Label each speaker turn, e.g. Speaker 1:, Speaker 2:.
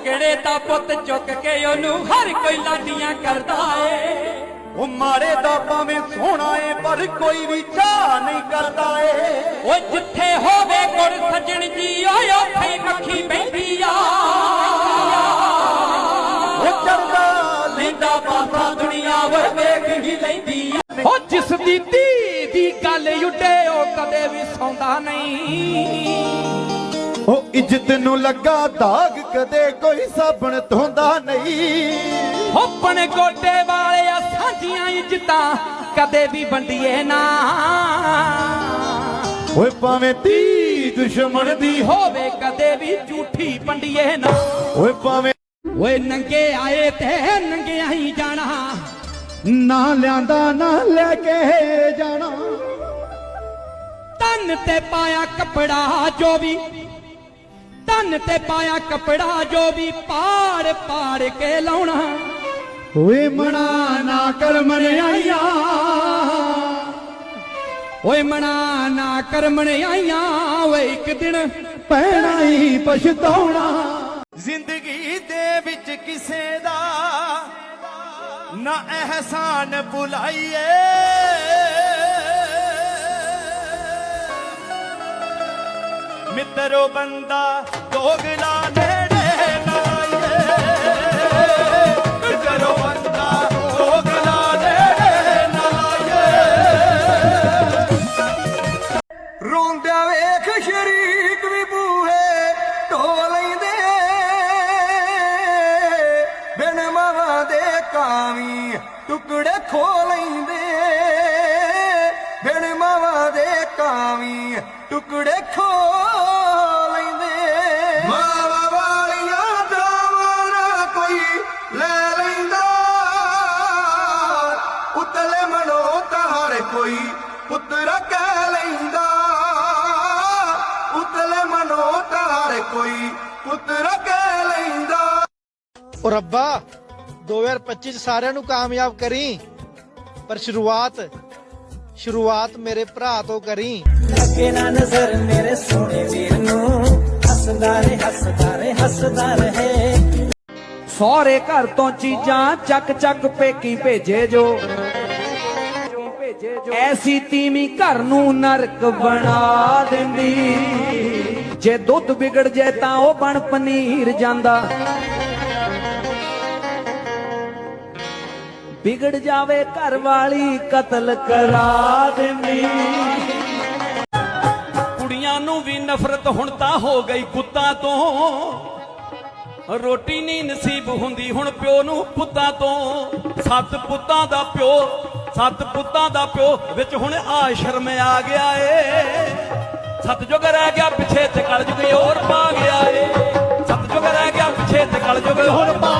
Speaker 1: तगड़े दा पुत चुक के ओनू हर कोई लाडियां करदा ए
Speaker 2: ओ माड़े दा भावें सोहना है पर कोई भी चाह नहीं करदा ए
Speaker 1: ओ जिथे होवे गुर सजन जी ओए ओथे मक्खी बैठी आ
Speaker 2: ओ चढ़दा लेंदा पासा दुनिया वे वेख ही लैंदी
Speaker 1: ओ जिस दी धी दी गल उड्डे ओ कदे भी सौंदा नहीं
Speaker 2: ओ इज्जत नू लगा दाग कदे कोई साबण धोंदा नहीं
Speaker 1: अपने गोटे वाले साझियां इज्जतां कदे भी वंडिए ना
Speaker 2: ओए भावें धी दुश्मन दी
Speaker 1: होवे कदे भी झूठी वंडिए ना
Speaker 2: ओए भावें
Speaker 1: ओए नंगे आए ते नंगे ही जाना
Speaker 2: ना लियांदा ना लेके जाना
Speaker 1: तन ते पाया कपड़ा जो भी तन ते पाया कपड़ा जो भी पाड़ पाड़ के लाउना
Speaker 2: ओए मना ना कर मनियाइया
Speaker 1: ओए मना ना कर मनियाइया ओए एक दिन
Speaker 2: पैना ही पछताउणा जिंदगी दे विच किसे दा ना एहसान भुलाइए मित्रो बंदा दोगला नेड़े ना आइए मित्रो बंदा दोगला नेड़े ना आइए रोंदा वेख शरीक भी बूहे ढो लैंदे बिन मावा दे कावी टुकड़े खो लैंदे बिन मावा दे कावी टुकड़े खो लैंदे मावा वालियां दावां कोई ले लैंदा उतले मनो तार कोई पुत्र कह लैंदा उतले मनो तार कोई पुत्र कह लैंदा
Speaker 3: ओ रब्बा 2025 ਸਾਰਿਆਂ ਨੂੰ ਕਾਮਯਾਬ ਕਰੀ ਪਰ ਸ਼ੁਰੂਆਤ ਮੇਰੇ ਭਰਾ ਤੋਂ ਕਰੀ
Speaker 4: ਲੱਗੇ ਨਾ ਨਜ਼ਰ ਮੇਰੇ ਸੋਹਣੇ ਵੀਰ ਨੂੰ ਹੱਸਦਾ ਰਹੇ ਹੱਸਦਾ ਰਹੇ ਹੱਸਦਾ ਰਹੇ
Speaker 1: ਸਹੁਰੇ ਘਰ ਤੋਂ ਚੀਜ਼ਾਂ ਚੱਕ ਚੱਕ ਪੇਕੀ ਭੇਜੇ ਜੋ ਐਸੀ ਤੀਵੀਂ ਘਰ ਨੂੰ ਨਰਕ ਬਣਾ ਦਿੰਦੀ ਜੇ ਦੁੱਧ ਵਿਗੜ ਜੇ ਤਾਂ ਉਹ ਬਣ ਪਨੀਰ ਜਾਂਦਾ ਵਿਗੜ ਜਾਵੇ ਘਰ ਵਾਲੀ ਕਤਲ ਕਰਾ ਦਿੰਦੀ ਕੁੜੀਆਂ ਨੂੰ ਵੀ ਨਫ਼ਰਤ ਹੁਣ ਤਾਂ ਹੋ ਗਈ ਕੁੱਤਾਂ ਤੋਂ ਰੋਟੀ ਨਹੀਂ ਨਸੀਬ ਹੁੰਦੀ ਹੁਣ ਪਿਓ ਨੂੰ ਪੁੱਤਾਂ ਤੋਂ ਸੱਤ ਪੁੱਤਾਂ ਦਾ ਪਿਓ ਵਿੱਚ ਹੁਣ ਆਸ਼ਰਮ ਆ ਗਿਆ ਏ ਸਤਜੁਗ ਰਹਿ ਗਿਆ ਪਿੱਛੇ ਤੇ ਕਲਯੁਗ ਹੋਰ ਪਾ ਗਿਆ ਏ ਸਤਜੁਗ ਰਹਿ ਗਿਆ ਪਿੱਛੇ ਤੇ ਕਲਯੁਗ ਹੋਰ ਪਾ